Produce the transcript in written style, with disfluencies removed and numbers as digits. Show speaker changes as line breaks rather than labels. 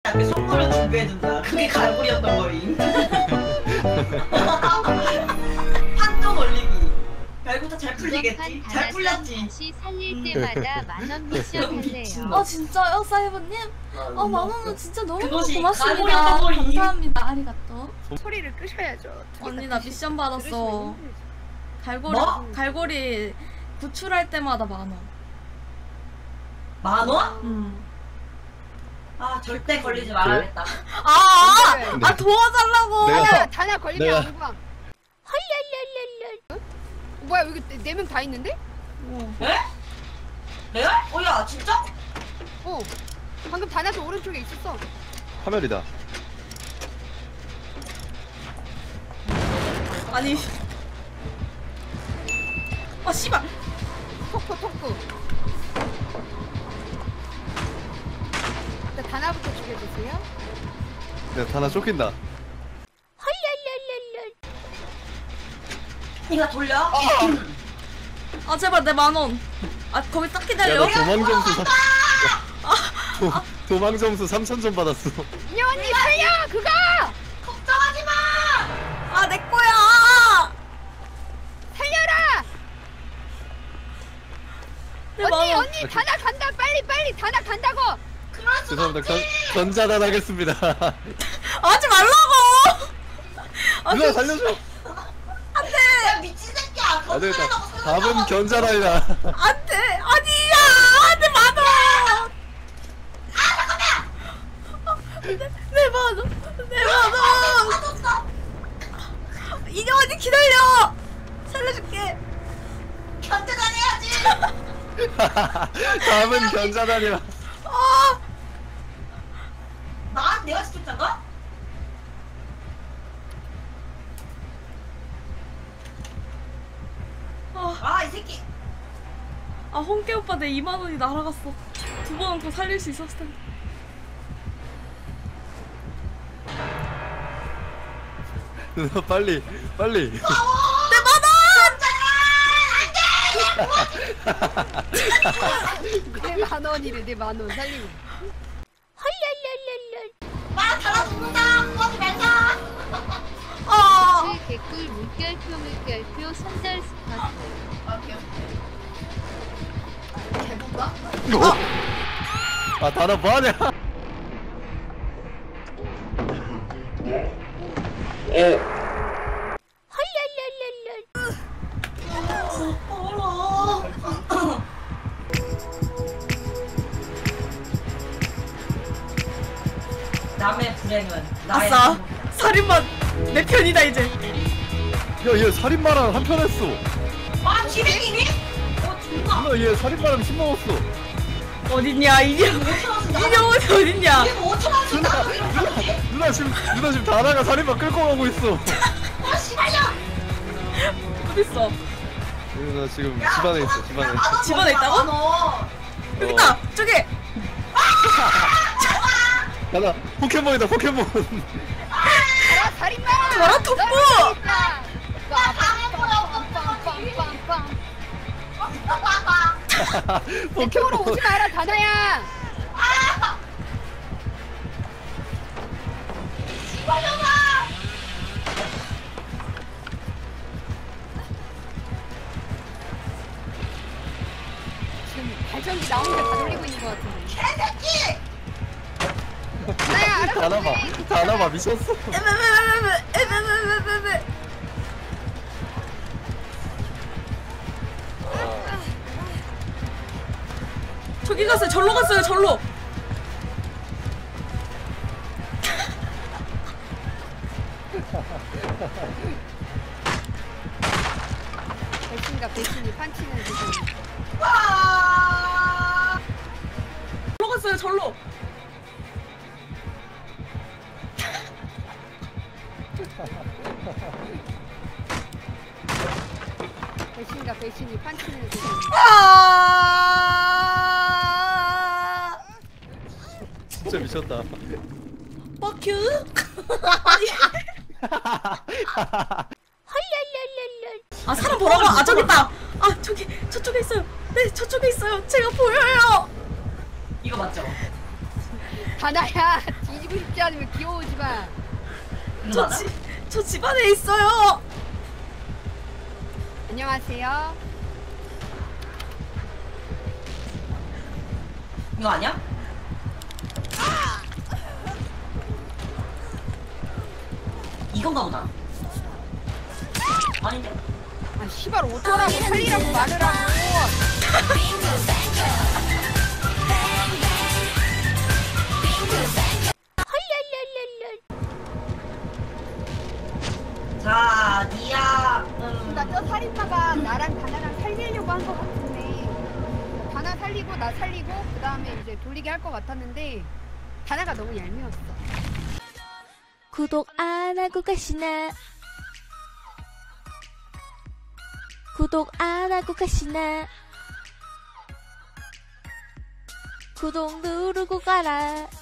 앞에 선물을 준비해준다. 그게 갈고리였던 거임. 판정 올리기. 갈고리 잘 풀리겠지? 잘 풀렸지?
다시 살릴 때마다 만원 미션 할래요.
진짜요, 사이버님? 만원은 진짜 너무
그것이
고맙습니다.
갈고리 선물이.
감사합니다. 아리가또.
소리를 끄셔야죠.
언니 나 미션 받았어.
뭐?
갈고리 구출할 때마다 만원.
만원? 아 절대 걸리지 말아야겠다.
도와달라고.
다나 걸리면 안 구함. 헐랄랄랄랄. 뭐야 여기 4명 다 있는데?
에? 레알? 야 진짜?
방금 다나도 오른쪽에 있었어.
화면이다.
아니. 씨발.
토크. 일단 다나부터 죽여주세요.
내가 하나 쫓긴다.
헐랄랄랄랄.
니가 돌려?
제발 내 만원. 거기 딱 기다려.
야, 나 도망 점수 3,000점 받았어.
이 언니 살려 그거.
걱정하지 마.
내 거야.
살려라.
내 만원.
언니 다나 간다. 빨리 다나 간다고.
죄송합니다. 전자단 하겠습니다.
하지 말라고.
누나 살려줘.
야 미친 새끼야.
안 되겠다. 답은 견자단이다.
안돼. 아니야. 내 만원. 내 만원. 이녀 언니 기다려. 살려줄게.
견제다녀야지.
답은 견자단이다.
내가 시켰잖아? 이 새끼.
홍깨 오빠 내 2만 원이 날아갔어. 2번 얹고 살릴 수 있었을 텐데.
누나 빨리.
내 만원!
내 만원이래. 내 만원 살리고. 헐랄랄랄랄.
다 죽는다. 거기 말자.
개꿀 물결표 선절 스팟.
개본가?
다나 뭐하냐?
헐랄랄랄랄.
남의 불행은 나의
아싸.
행복이다.
살인마 내 편이다 이제.
야, 얘 살인마랑 한편 했어.
기백이니? 존나.
누나 얘 살인마랑 심 먹었어.
어딨냐 이녀.
5천원씩
이녀원이 어딨냐.
이거 5천원씩
누나 지금 다나가 살인마 끌고 가고 있어.
씨발려.
어딨어.
누나 지금 집안에 있어. 집안에.
집안에 있다고?
너.
여기 있다. 저기.
다나 포켓몬이다. 포켓몬.
가라 살인마.
가라, 톱보!
이쪽으로
포켓몬.
오지 마라 다나야. 지금 발전기 나오는 데다 돌리고 있는 것 같은데.
개새끼.
다나야 알아서
다나봐 미쳤어.
저기 갔어요. 절로 갔어요. 절로.
배신과 배신이 판치는 세상.
절로 갔어요. 절로.
배신과 배신이 판치는 세상.
진짜 미쳤다.
뻑큐.
헐랄랄랄랄.
사람 보라고. 저기 있다. 저쪽에 있어요. 네, 저쪽에 있어요. 제가 보여요.
이거 맞죠?
다나야 뒤집어 가지고 싶지 않으면 귀여우지만.
저 집안에 있어요.
안녕하세요.
이거 아니야? 이건가 보다. 아닌데?
아 씨발 어쩌라고 살리라고 말을 하고.
자, 니야.
나저 살인마가 나랑 다나랑 살리려고 한 것 같은데 다나 살리고 나 살리고 그 다음에 이제 돌리게 할 것 같았는데 다나가 너무 얄미웠어.
구독 안 하고 가시나? 구독 안 하고 가시나? 구독 누르고 가라.